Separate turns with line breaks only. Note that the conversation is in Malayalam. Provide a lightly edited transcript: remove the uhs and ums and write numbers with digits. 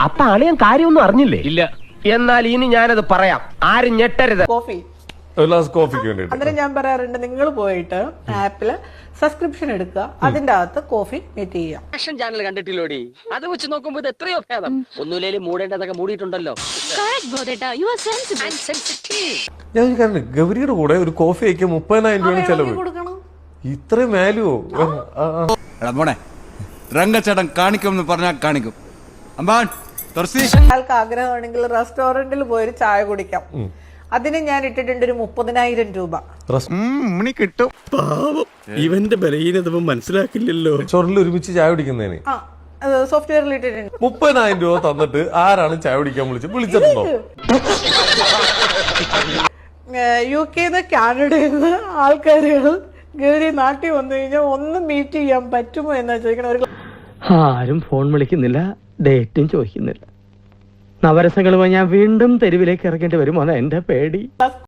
അപ്പൊ അളിയൻ കാര്യമൊന്നും അറിഞ്ഞില്ലേ?
ഇല്ല.
എന്നാൽ ഇനി ഞാനത് പറയാം, ആരും ഞെട്ടരുത്.
കോഫി
ഒരു ഗ്ലാസ് കോഫിക്ക് വേണ്ടിട്ട്
അന്നേരം ഞാൻ പറയാറുണ്ട്, നിങ്ങൾ പോയിട്ട് ആപ്പില് സബ്സ്ക്രിപ്ഷൻ എടുക്കുക, അതിന്റെ അകത്ത് കോഫി മീറ്റ് ചെയ്യാം.
ഫാഷൻ ചാനൽ കണ്ടിട്ടില്ലോടി? അത് വെച്ച് നോക്കുമ്പോ ഇത് എത്രയോ ഭേദം. ഒന്നുമില്ലേലും മൂടേണ്ടതൊക്കെ മൂടിയിട്ടുണ്ടല്ലോ.
ഞാൻ ചോദിക്കാറുണ്ട്, ഗൗരിയുടെ കൂടെ ഒരു കോഫി അയക്കാൻ 30,000 രൂപയാണ് ചെലവ്.
കൊടുക്കണം.
ഇത്രയും വാല്യൂ?
മോനെ രംഗച്ചേട്ടൻ കാണിക്കുമെന്ന് പറഞ്ഞാൽ കാണിക്കും.
ഒരാൾക്ക് ആഗ്രഹമാണെങ്കിൽ റെസ്റ്റോറന്റിൽ പോയൊരു ചായ കുടിക്കാം. അതിന് ഞാൻ ഇട്ടിട്ടുണ്ട് ഒരു 30,000 രൂപ.
കിട്ടും.
ഇവന്റെ ബലഹീനത മനസ്സിലാക്കില്ലല്ലോ.
ചോറിൽ ഒരുമിച്ച് ചായ കുടിക്കുന്നതിന്
സോഫ്റ്റ്വെയറിൽ ഇട്ടിട്ടുണ്ട്.
30,000 രൂപ തന്നിട്ട് ആരാണ് ചായ കുടിക്കാൻ വിളിച്ചിട്ടുണ്ടോ?
UK-ന്ന് കാനഡയിൽ ആൾക്കാരുകൾ ഗൗരി നാട്ടിൽ വന്നു കഴിഞ്ഞാൽ ഒന്ന് മീറ്റ് ചെയ്യാൻ പറ്റുമോ എന്നാ ചോദിക്കണം. ഒരു
ആരും ഫോൺ വിളിക്കുന്നില്ല, ഡേറ്റും ചോദിക്കുന്നില്ല. നവരസങ്ങളുമായി ഞാൻ വീണ്ടും തെരുവിലേക്ക് ഇറങ്ങേണ്ടി വരുമോ? എന്റെ പേടി.